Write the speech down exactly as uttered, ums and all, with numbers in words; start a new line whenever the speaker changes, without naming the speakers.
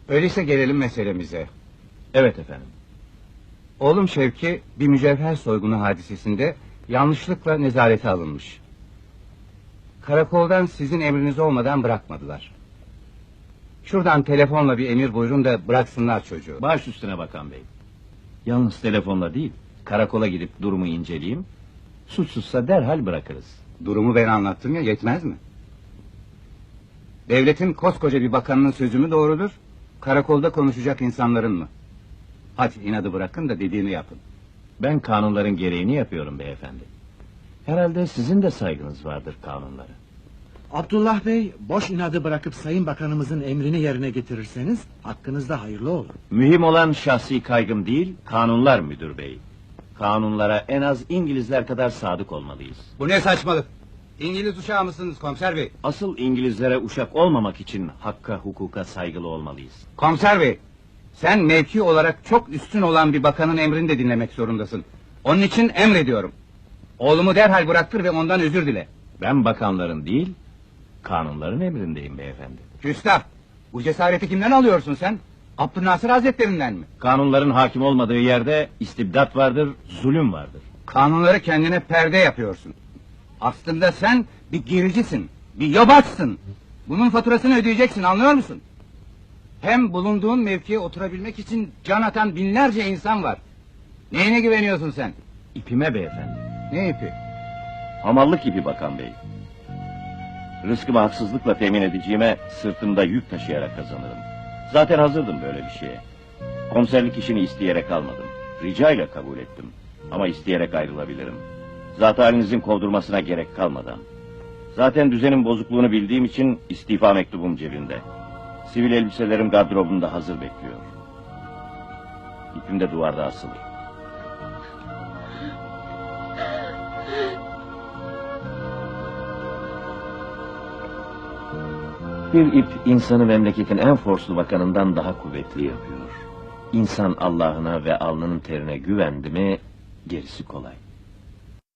Öyleyse gelelim meselemize.
Evet efendim.
Oğlum Şevki bir mücevher soygunu hadisesinde yanlışlıkla nezarete alınmış. Karakoldan sizin emriniz olmadan bırakmadılar. Şuradan telefonla bir emir buyurun da bıraksınlar çocuğu.
Baş üstüne bakan bey. Yalnız telefonla değil, karakola gidip durumu inceleyeyim. Suçsuzsa derhal bırakırız.
Durumu ben anlattım ya, yetmez mi? Devletin koskoca bir bakanının sözü mü doğrudur, karakolda konuşacak insanların mı? Hadi inadı bırakın da dediğini yapın.
Ben kanunların gereğini yapıyorum beyefendi. Herhalde sizin de saygınız vardır kanunlara.
Abdullah Bey, boş inadı bırakıp Sayın Bakanımızın emrini yerine getirirseniz hakkınızda hayırlı olur.
Mühim olan şahsi kaygım değil, kanunlar müdür bey. Kanunlara en az İngilizler kadar sadık olmalıyız.
Bu ne saçmalık? İngiliz uşağı mısınız komiser bey?
Asıl İngilizlere uşak olmamak için hakka hukuka saygılı olmalıyız.
Komiser bey, sen mevki olarak çok üstün olan bir bakanın emrini de dinlemek zorundasın. Onun için emrediyorum. Oğlumu derhal bıraktır ve ondan özür dile.
Ben bakanların değil, kanunların emrindeyim beyefendi.
Küstah! Bu cesareti kimden alıyorsun sen? Abdülnasır Hazretlerinden mi?
Kanunların hakim olmadığı yerde istibdat vardır, zulüm vardır.
Kanunları kendine perde yapıyorsun. Aslında sen bir gericisin, bir yobaksın. Bunun faturasını ödeyeceksin, anlıyor musun? Hem bulunduğun mevkiye oturabilmek için can atan binlerce insan var. Neyine güveniyorsun sen?
İpime beyefendi.
Ne ipi?
Hamallık ipi bakan bey. Rızkımı haksızlıkla temin edeceğime sırtımda yük taşıyarak kazanırım. Zaten hazırdım böyle bir şeye. Komiserlik işini isteyerek almadım. Rica ile kabul ettim. Ama isteyerek ayrılabilirim. Zat halinizin kovdurmasına gerek kalmadan. Zaten düzenin bozukluğunu bildiğim için istifa mektubum cebimde. Sivil elbiselerim gardırobumda hazır bekliyor. İpim de duvarda asılı. Bir ip insanı memleketin en forslu bakanından daha kuvvetli yapıyor. İnsan Allah'ına ve alnının terine güvendi mi gerisi kolay.